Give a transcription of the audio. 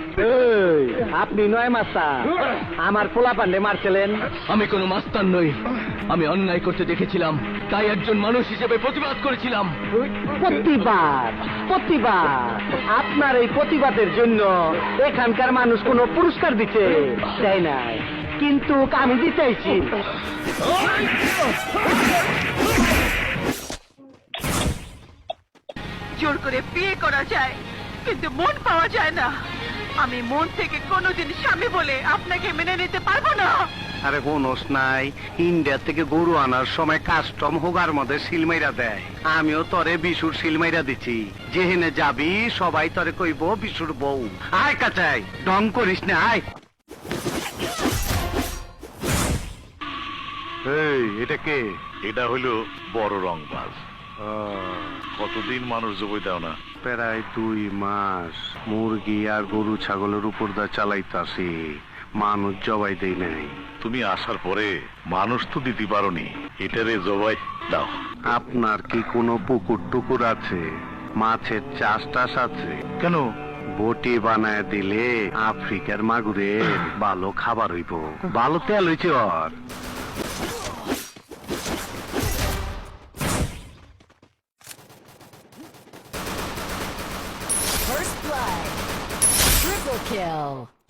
আপনি নয় মাস্টার, আমার পোলা পান্ডে মারছিলেন। আমি কোনো মাস্তান নই, আমি অন্যায় করতে দেখেছিলাম, তাই একজন মানুষ হিসেবে প্রতিবাদ করেছিলাম। প্রতিবাদ আপনার এই প্রতিবাদের জন্য এখানকার মানুষ কোনো পুরস্কার দিতে চাই নাই, কিন্তু আমি দিতেছি। জোর করে বিয়ে করা যায়, কিন্তু মন পাওয়া যায় না। আমি মন থেকে কোনোদিন স্বামী বলে আপনাকে মেনে নিতে পারবো না। আরে কোনস নাই, ইন্ডিয়া থেকে গরু আনার সময় কাস্টম হোগার মধ্যে সিলমাইরা দেয়। আমিও তরে বিশুর সিলমাইরা দিচ্ছি, যেহেনে যাবি সবাই তরে কইব বিশুর বউ। আয় কাচাই, ডং করিস না, আয়। এই এটা কে? এটা হইলো বড় রংবাজ। কতদিন মানুষ জবই দাও না? প্রায় 2 মাস মুরগি আর গরু ছাগলের উপর দা চালাইতাছি, মানুষ জবাই দেই নাই। তুমি আসার পরে মানুষ তো দিতে পারোনি, এটারে জবাই দাও। আপনার কি কোনো পুকুর টুকুর আছে? মাছের চাষ টাস আছে? কেন? বটি বানায় দিলে আফ্রিকার মাগুরে ভালো খাবার হইব, ভালো তেল হইছে ওর। First blood. Triple kill.